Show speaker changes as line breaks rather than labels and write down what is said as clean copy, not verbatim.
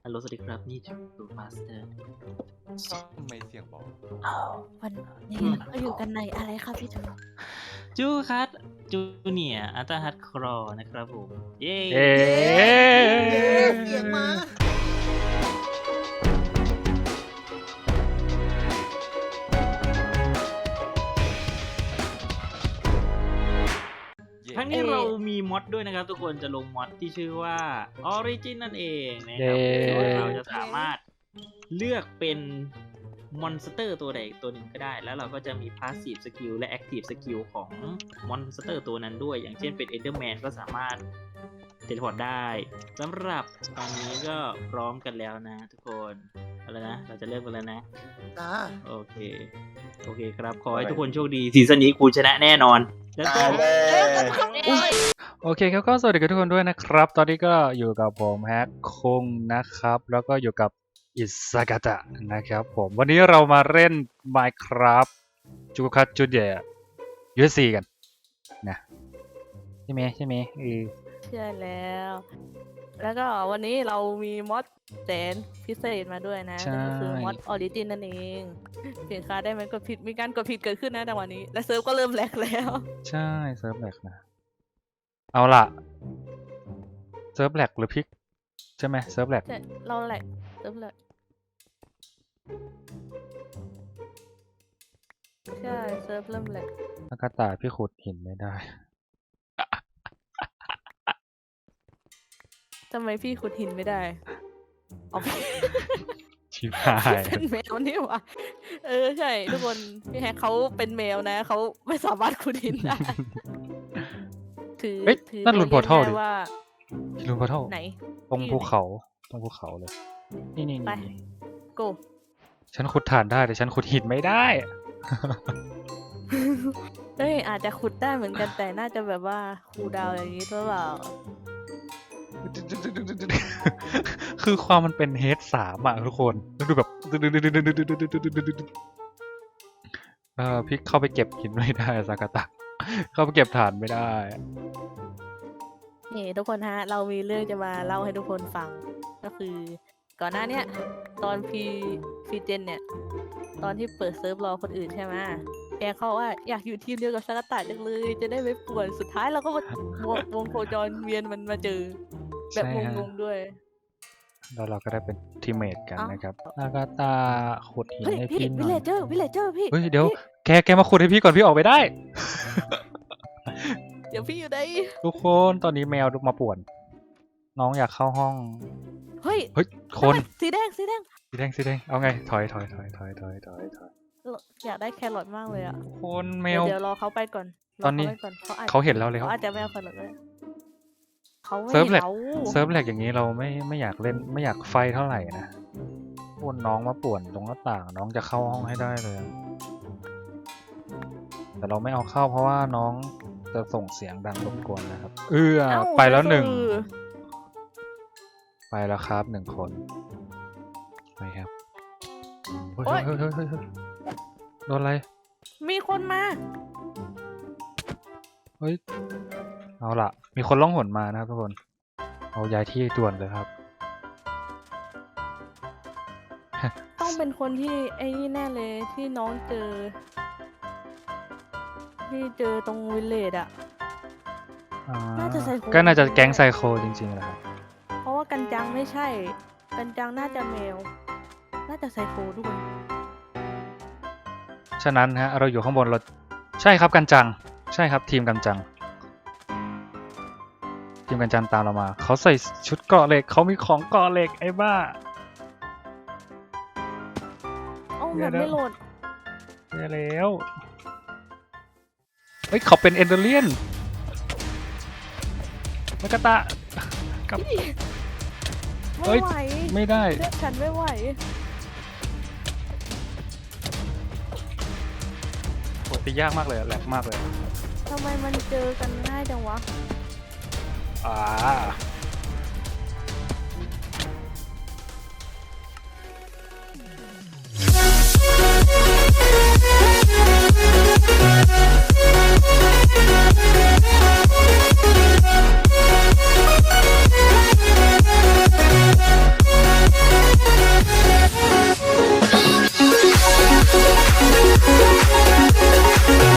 ฮัลโหลสวัสดีครับนี่จูมาสเตอร์
ทำไมเสียงเบา
วันนี้เราอยู่กันในอะไรครับพี่จู
จูคัตจูเนียอัลตร้าฮัดครอนะครับผมเย้
เสียงมา
ทั้งนี้เรามีมอดด้วยนะครับทุกคนจะลงมอดที่ชื่อว่า Origin นั่นเองนะครับโดยเราจะสามารถเลือกเป็นมอนสเตอร์ตัวใดตัวหนึ่งก็ได้แล้วเราก็จะมี Passive Skill และ Active Skill ของมอนสเตอร์ตัวนั้นด้วยอย่างเช่นเป็น Enderman ก็สามารถเทเลพอร์ตได้สำหรับตอนนี้ก็พร้อมกันแล้วนะทุกคนเอาละนะเราจะเริ่มกันแล้วนะโอเคครับขอให้ทุกคนโชคดีซีซั่นนี้กูชนะแน่นอนแล้วก็
โอเคครับก็สวัสดีกับทุกคนด้วยนะครับตอนนี้ก็อยู่กับผมแฮกคงนะครับแล้วก็อยู่กับอิซากาตะนะครับผมวันนี้เรามาเล่น Minecraft จูคัตจูเดีย USC กันนะใช่ไหม
ใช่แล้วก็วันนี้เรามีมอดแสนพิเศษมาด้วยนะก็คือมอดออริจินนั่นเองเสียงค้าได้ไหมกดผิดมีการกดผิดเกิดขึ้นนะแต่วันนี้และเซิร์ฟก็เริ่มแลกแล้ว
ใช่เซิร์ฟแลกนะเอาล่ะเซิร์ฟแลกหรือพิกใช่ไหมเซิร์ฟแลก
เราแลกเซิร์ฟแลกใช่เซิร์ฟเริ่มแลก
อากาตาพี่ขุดหินไม่ได้
ทำไมพี่ขุดหินไม่ได้เอา
ชิบหาย
เป็นแมวนี่วะใช่ทุกคนพี่แฮกเขาเป็นแมวนะเขาไม่สามารถขุดหินได้ถือ
นั่นลุนพอร์ทัลดิ
ว่า
ลุนพอร์ทัล
ไหน
ตรงภูเขาเลยนี่
ไปโก
ฉันขุดถ่านได้แต่ฉันขุดหินไม่ได้
อาจจะขุดได้เหมือนกันแต่น่าจะแบบว่าคูลดาวน์อย่างนี้หรือเปล่า
คือความมันเป็นเฮด3อ่ะทุกคนดูแบบพี่เข้าไปเก็บหินไม่ได้ซากาตะเข้าไปเก็บถ่านไม่ได้
นี่ทุกคนฮะเรามีเรื่องจะมาเล่าให้ทุกคนฟังก็คือก่อนหน้านี้ตอนพีเจนเนี่ยตอนที่เปิดเซิร์ฟรอคนอื่นใช่ไหมแกเขาว่าอยากอยู่ทีมเดียวกับซากาตะจังเลยจะได้ไม่ป่วนสุดท้ายเราก็มาวงโคจรเวียนมันมาเจอแบบงงๆด้วย
แล้วเราก็ได้เป็นทีมเมทกันนะครับซากาตะขุดหินให้พี่หน่อย
วิลเลเจอร์พี่
เฮ้ยเดี๋ยวแกมาขุดให้พี่ก่อนพี่ออกไปได้
เดี๋ยวพี่อยู่ไหน
ทุกคนตอนนี้แมวมาป่วนน้องอยากเข้าห้องเฮ้ยคน
สีแดง
เอาไงถอย
อยากได้แครอทมากเลยอ่ะ
คนแมว
เดี๋ยวรอเขาไปก่อน
ตอนนี้เขาเห็นเราแล้ว
เขาอาจจะไม่เอาแครอทเลยเขาไม่
เซิร์ฟแลกอย่างนี้เราไม่อยากเล่นไม่อยากไฟเท่าไหร่นะคนน้องมาป่วนตรงหน้าต่างน้องจะเข้าห้องให้ได้เลยแต่เราไม่เอาเข้าเพราะว่าน้องจะส่งเสียงดังรบกวนนะครับไปแล้ว1ไปแล้วครับ1คนไปครับเฮ้ยโดนอะไร
มีคนมา
เฮ้ยเอาล่ะมีคนล่องหนมานะครับทุกคนเอาย้ายที่ด่วนเลยครับ
ต้องเป็นคนที่ไอ้นี่แน่เลยที่น้องเจอตรงวิลเลจอ่ะน่าจะไซโค
ก็น่าจะแก๊งไซโคจริงๆแหละครับ
เพราะว่ากันจังไม่ใช่กันจังน่าจะแมวน่าจะไซโคด้วย
ฉะนั้นฮะเราอยู่ข้างบนเราใช่ครับกันจังใช่ครับทีมกันจังตามเรามาเขาใส่ชุดเกราะเหล็กเขามีของเกราะเหล็กไอ้บ้า
มันไม่โหลด
แล้วเฮ้ยเขาเป็นเอนเดอร์เลียนมากาตะกับ
เฮ้ย
ไม่ได้
ฉันไม่ไหว
โหตียากมากเลยแหลกมากเลย
ทำไมมันเจอกันง่ายจังวะ